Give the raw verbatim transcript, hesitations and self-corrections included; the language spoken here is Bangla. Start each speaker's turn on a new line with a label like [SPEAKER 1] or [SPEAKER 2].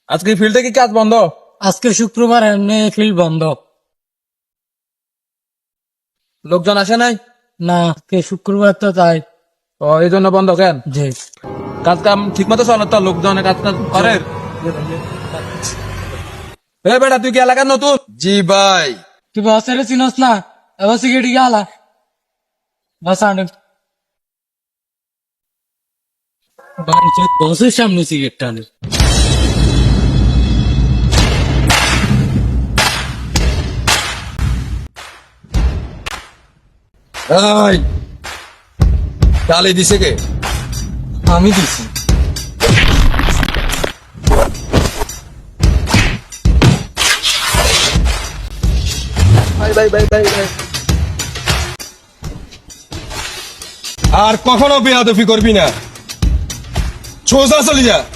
[SPEAKER 1] আজকে ফিল্ডে কি কাজ বন্ধ?
[SPEAKER 2] আজকে শুক্রবার এমনি ফিল্ড বন্ধ।
[SPEAKER 1] লোকজন আসে নাই?
[SPEAKER 2] না, আজকে শুক্রবার তো তাই।
[SPEAKER 1] ও এই জন্য বন্ধ কেন?
[SPEAKER 2] জি।
[SPEAKER 1] কাজ কাম ঠিক মতো চলে তো? লোকজনে কাজ কাজ করে? এ বেটা তুই কি এলাকার নতুন?
[SPEAKER 3] জি ভাই।
[SPEAKER 2] তুই বসের চিনস না? এবার সিগারেট গেলা বাস আনে বসের সামনে সিগারেট আনে।
[SPEAKER 3] এই গালি দিছে কে?
[SPEAKER 2] আমি দিছি।
[SPEAKER 1] ভাই ভাই ভাই ভাই ভাই
[SPEAKER 3] আর কখনো বেয়াদফি করবি না, সোজা চলে যা।